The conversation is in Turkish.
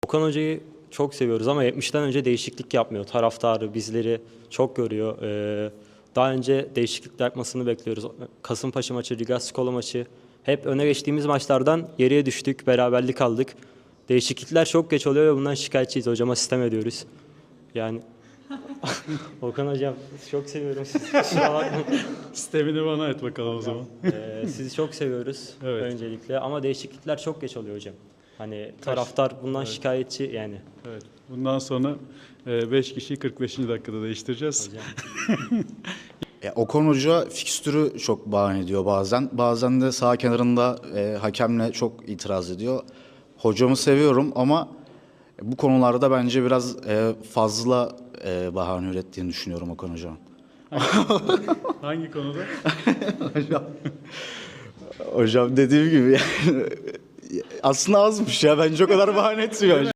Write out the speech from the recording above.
Okan Hoca'yı çok seviyoruz ama 70'ten önce değişiklik yapmıyor. Taraftarı bizleri çok görüyor. Daha önce değişiklik yapmasını bekliyoruz. Kasımpaşa maçı, Riga Skola maçı. Hep öne geçtiğimiz maçlardan geriye düştük, beraberlik aldık. Değişiklikler çok geç oluyor ve bundan şikayetçiyiz. Hocama sistem ediyoruz. Yani Okan Hocam çok seviyorum sizi. Kusura bakmayın. Sistemini bana et bakalım o zaman. Sizi çok seviyoruz Evet. öncelikle ama değişiklikler çok geç oluyor hocam. Hani taraftar bundan şikayetçi yani. Evet. Bundan sonra 5 kişiyi 45. dakikada değiştireceğiz. Hocam. Okan Hoca fikstürü çok bahane ediyor bazen. Bazen de sağ kenarında hakemle çok itiraz ediyor. Hocamı seviyorum ama bu konularda bence biraz fazla bahane ürettiğini düşünüyorum Okan Hoca'nın. Hangi konuda? Hocam dediğim gibi yani, aslında azmış ya. Bence o kadar bahane etmiyor.